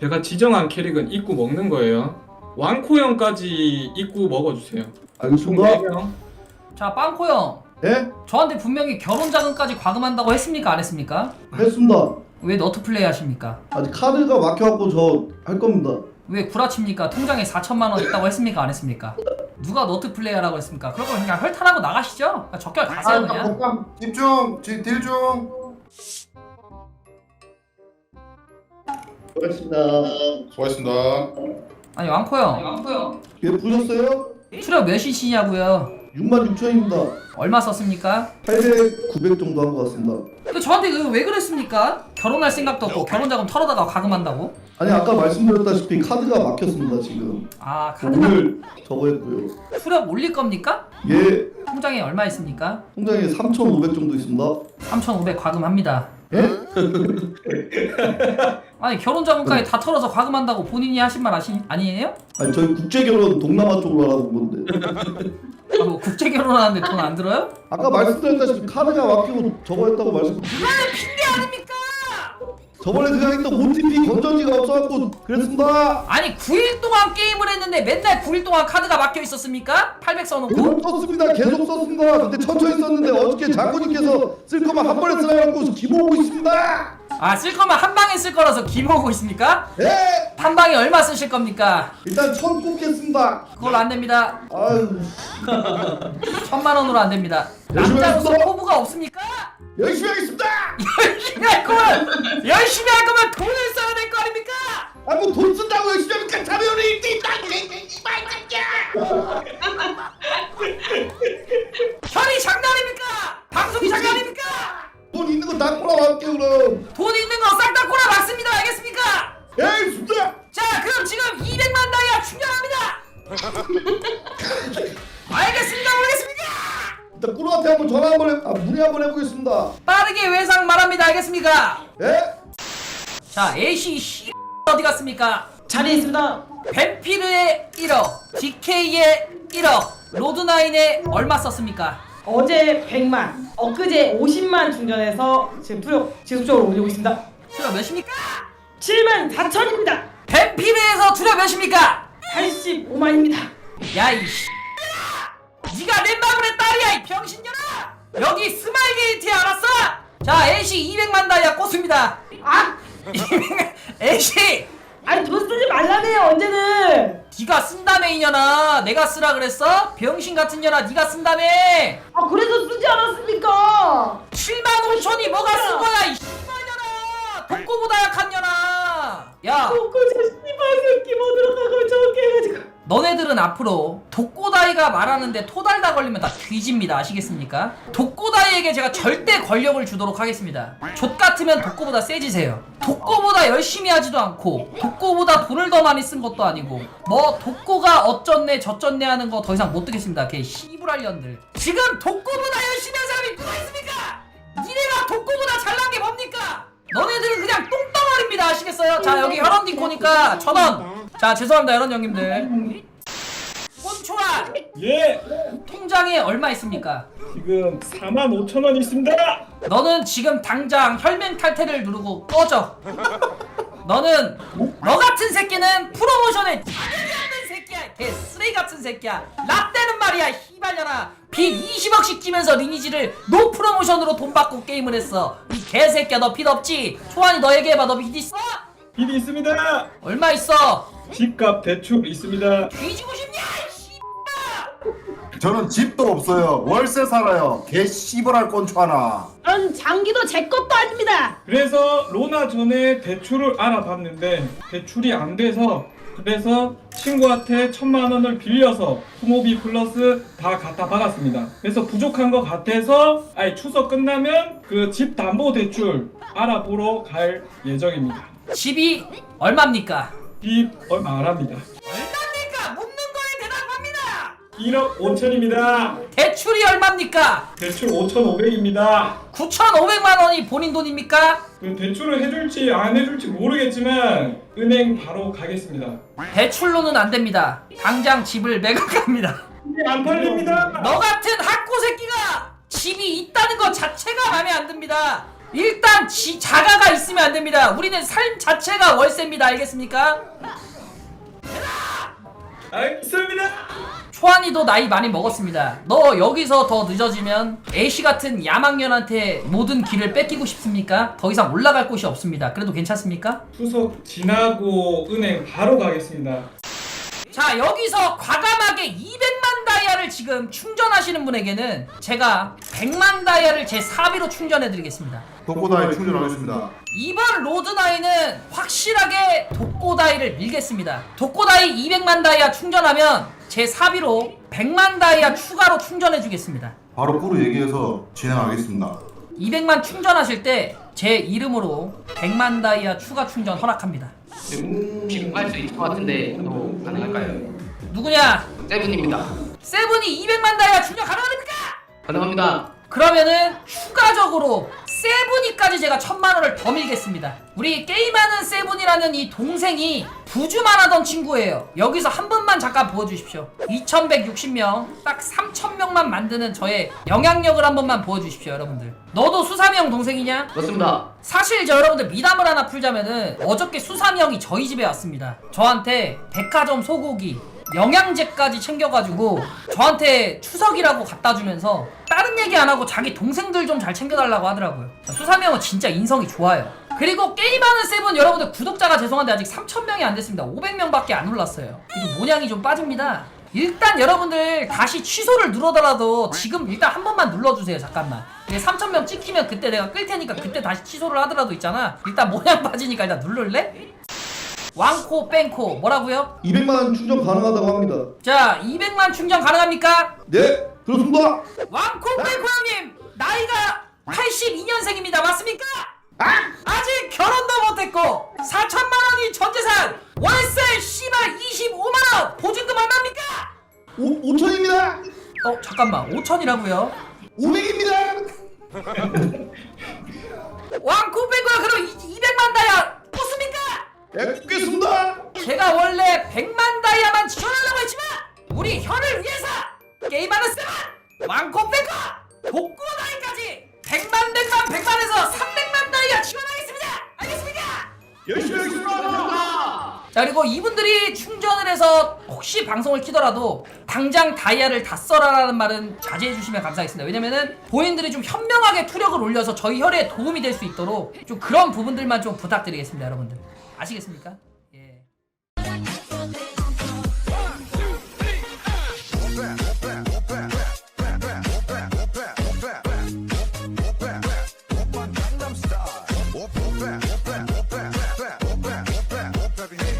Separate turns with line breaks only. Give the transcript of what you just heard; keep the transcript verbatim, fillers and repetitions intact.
제가 지정한 캐릭은 입구 먹는 거예요. 왕코 형까지 입구 먹어주세요.
알겠습니다.
네 명.
자, 빵코 형.
예?
저한테 분명히 결혼 자금까지 과금한다고 했습니까? 안 했습니까?
했습니다.
왜 너트 플레이 하십니까?
아직 카드가 막혀갖고 저 할 겁니다.
왜 구라칩니까? 통장에 사천만 원 있다고 했습니까? 안 했습니까? 누가 너트 플레이 하라고 했습니까? 그럴 거면 그냥 헐탈하고 나가시죠? 그냥 적결 가세요 그냥.
복감 집중 딜 중.
고맙습니다.
수고하셨습니다.
아니 왕코 형. 왕코 형.
예, 보셨어요?
출연 몇이시냐고요?
육만 육천입니다.
얼마 썼습니까?
팔백, 구백 정도 한 것 같습니다.
근데 저한테 그 왜 그랬습니까? 결혼할 생각도 없고 결혼 자금 털어다가 과금한다고?
아니 아까 말씀드렸다시피 카드가 막혔습니다 지금.
아 카드가
오늘 저거 했고요.
수력 올릴 겁니까?
예,
통장에 얼마 있습니까?
통장에 삼천오백 정도 있습니다.
삼천오백 과금합니다.
예?
아니 결혼 자금까지 다 털어서 과금한다고 본인이 하신 말 아시, 아니에요?
아니 저희 국제결혼 동남아 쪽으로 하라고 온 건데.
아, 뭐 국제 결혼하는데 돈 안 들어요?
아까 말씀드렸다시피 카드가 막히고 저거 했다고 말씀.
이거는 핑계 아닙니까?
저번에 그냥 했던 오티피 건전지가 없어갖고 그랬습니다.
아니 구 일 동안 게임을 했는데 맨날 구 일 동안 카드가 막혀 있었습니까? 팔백 써놓고?
계속 썼습니다. 계속 썼습니다. 근데 천천히 썼는데 어저께 장군님께서 쓸 거면 한 번에 쓰라고 기모으고 있습니다.
아 쓸 거면 한 방에 쓸 거라서 기모으고 있습니까?
예!
한 방에 얼마 쓰실 겁니까?
일단 천 꼽겠습니다.
그걸로 안 됩니다.
아유,
천만 원으로 안 됩니다.
열심히
남자로서
하겠습니다.
포부가 없습니까?
열심히 하겠습니다.
열심히 할 거면 열심히 할 거면 돈을 써야 될 거 아닙니까?
아 뭐 돈 쓴다고 열심히 하니까 자면은 일등 있다.
혈이 장난입니까? 방송이 장난입니까?
돈 있는 거 다 꼬라갈게 그럼.
돈 있는 거 싹 다 꼬라 맞습니다. 알겠습니까?
예, 알겠습니다.
자 그럼 지금 이백만 다이아 충전합니다. 알겠습니다. 모르겠습니까?
일단 꾸루한테 한번 전화 한번 해, 아 문의 한번 해보겠습니다.
빠르게 외상 말합니다. 알겠습니까?
예?
자 A씨 씨 어디 갔습니까?
자리에 있습니다.
뱀피르의 일억, 디케이의 일억, 로드나인의 얼마 썼습니까?
어제 백만, 엊그제 오십만 충전해서 지금 투력 지속적으로 올리고 있습니다.
수력 몇입니까?
칠만 사천입니다.
뱀피르에서 투력 몇입니까?
팔십오만입니다.
야이 씨 니가 넷마블의 딸이야 이 병신년아! 여기 스마일 게이트야 알았어? 자 A씨 이백만 다이아 꽂습니다.
아!
A씨
아니 돈 쓰지 말라며요 언제는.
니가 쓴다며 이년아. 내가 쓰라 그랬어? 병신 같은 년아 니가 쓴다며.
아 그래서 쓰지 않았습니까?
칠만 오천이 뭐가 쓴 거야 이 씨발년아. 독고보다 약한 년아. 야
그 씨발 새끼 뭐 들어가고 저렇게 해가지고.
너네들은 앞으로 독고다이가 말하는데 토달다 걸리면 다 뒤집니다. 아시겠습니까? 독고다이에게 제가 절대 권력을 주도록 하겠습니다. 족같으면 독고보다 세지세요. 독고보다 열심히 하지도 않고 독고보다 돈을 더 많이 쓴 것도 아니고 뭐 독고가 어쩌네 저쩌네 하는 거 더 이상 못 듣겠습니다. 걔 씨부랄년들. 지금 독고보다 열심히 한 사람이 누가 있습니까? 니네가 독고보다 잘난 게 뭡니까? 너네들은 그냥 똥덩어리입니다. 아시겠어요? 자 여기 혈원 디코니까 천원. 자 죄송합니다 혈원 형님들. 꼰초아
예.
통장에 얼마 있습니까?
지금 사만 오천 원 있습니다.
너는 지금 당장 혈맹 탈퇴를 누르고 꺼져. 너는 너 같은 새끼는 프로모션에 자격이 없는 새끼야. 개 쓰레기 같은 새끼야. 라떼는 말이야 희발려나 빚 이십억씩 지면서 리니지를 노 프로모션으로 돈 받고 게임을 했어. 이 개새끼야 너 빚 없지? 초안이 너에게 해봐. 너 빚 있어?
빚 있습니다.
얼마 있어?
집값 대출 있습니다.
뒤지고 싶냐 이 씨발.
저는 집도 없어요. 월세 살아요. 개 씨발할 꼰초 하나.
전 장기도 제 것도 아닙니다.
그래서 로나 전에 대출을 알아봤는데 대출이 안 돼서 그래서 친구한테 천만 원을 빌려서 후모비 플러스 다 갖다 받았습니다. 그래서 부족한 것 같아서 아예 추석 끝나면 그 집 담보 대출 알아보러 갈 예정입니다.
집이 얼마입니까?
집 얼마 안 합니다.
얼마입니까? 묻는 거에 대답합니다.
일억 오천입니다.
대출이 얼마입니까?
대출 오천오백입니다.
구천오백만 원이 본인 돈입니까?
그 대출을 해줄지 안 해줄지 모르겠지만 은행 바로 가겠습니다.
대출로는 안 됩니다. 당장 집을 매각합니다.
이게 안 팔립니다.
너 같은 학고 새끼가 집이 있다는 것 자체가 마음에 안 듭니다. 일단 지, 자가가 있으면 안 됩니다. 우리는 삶 자체가 월세입니다. 알겠습니까?
알겠습니다.
초안이도 나이 많이 먹었습니다. 너 여기서 더 늦어지면 애쉬 같은 야망년한테 모든 길을 뺏기고 싶습니까? 더 이상 올라갈 곳이 없습니다. 그래도 괜찮습니까?
추석 지나고 은행 바로 가겠습니다.
자, 여기서 과감하게 이백만 다이아를 지금 충전하시는 분에게는 제가 백만 다이아를 제 사비로 충전해드리겠습니다.
독고다이 충전하겠습니다.
이번 로드나이는 확실하게 독고다이를 밀겠습니다. 독고다이 이백만 다이아 충전하면 제 사비로 백만 다이아 추가로 충전해주겠습니다.
바로 꾸루 얘기해서 진행하겠습니다.
이백만 충전하실 때 제 이름으로 백만 다이아 추가 충전 허락합니다.
지금 할 수 있을 것 같은데 또 가능할까요?
누구냐?
세븐입니다.
세븐이 이백만 다이아 충전 가능합니까?
가능합니다.
그러면은 추가적으로 세븐이까지 제가 천만 원을 더 밀겠습니다. 우리 게임하는 세븐이라는 이 동생이 부주만 하던 친구예요. 여기서 한 분만 잠깐 보여주십시오. 이천백육십 명, 딱 삼천 명만 만드는 저의 영향력을 한 번만 보여주십시오, 여러분들. 너도 수삼이 형 동생이냐?
맞습니다.
사실 저 여러분들 미담을 하나 풀자면은 어저께 수삼이 형이 저희 집에 왔습니다. 저한테 백화점 소고기, 영양제까지 챙겨가지고 저한테 추석이라고 갖다주면서 다른 얘기 안하고 자기 동생들 좀 잘 챙겨달라고 하더라고요. 수삼이 형은 진짜 인성이 좋아요. 그리고 게임하는 세븐 여러분들 구독자가 죄송한데 아직 삼천 명이 안 됐습니다. 오백 명밖에 안 올랐어요. 좀 모양이 좀 빠집니다. 일단 여러분들 다시 취소를 누르더라도 지금 일단 한 번만 눌러주세요. 잠깐만. 삼천 명 찍히면 그때 내가 끌 테니까 그때 다시 취소를 하더라도 있잖아. 일단 모양 빠지니까 일단 누를래? 왕코 뺑코 뭐라고요?
이백만 원 충전 가능하다고 합니다.
자, 이백만 충전 가능합니까?
네, 그렇습니다.
왕코 뺑코 형님 나이가 팔십이 년생입니다. 맞습니까? 아직 결혼도 못했고 사천만 원이 전재산, 월세 씨발 이십오만 원 보증금 얼마입니까?
오, 오천입니다.
어 잠깐만 오천이라고요?
오백입니다.
왕코 뺑코야 그럼 이백만 다이아 뽑습니까?
네, 뽑겠습니다.
제가 원래 백만 다이아만 지원하려고 했지만 우리 혀를 위해서 게임하는 세븐 왕코 뺑코 독고다이까지 백만 백만 백만에서 삼백만 다이아 지원하겠습니다. 알겠습니까?
열심히 하겠습니다.
자, 그리고 이분들이 충전을 해서 혹시 방송을 키더라도 당장 다이아를 다 써라라는 말은 자제해 주시면 감사하겠습니다. 왜냐면은 본인들이 좀 현명하게 투력을 올려서 저희 혈에 도움이 될 수 있도록 좀 그런 부분들만 좀 부탁드리겠습니다. 여러분들 아시겠습니까? 예.
Gangnam Style.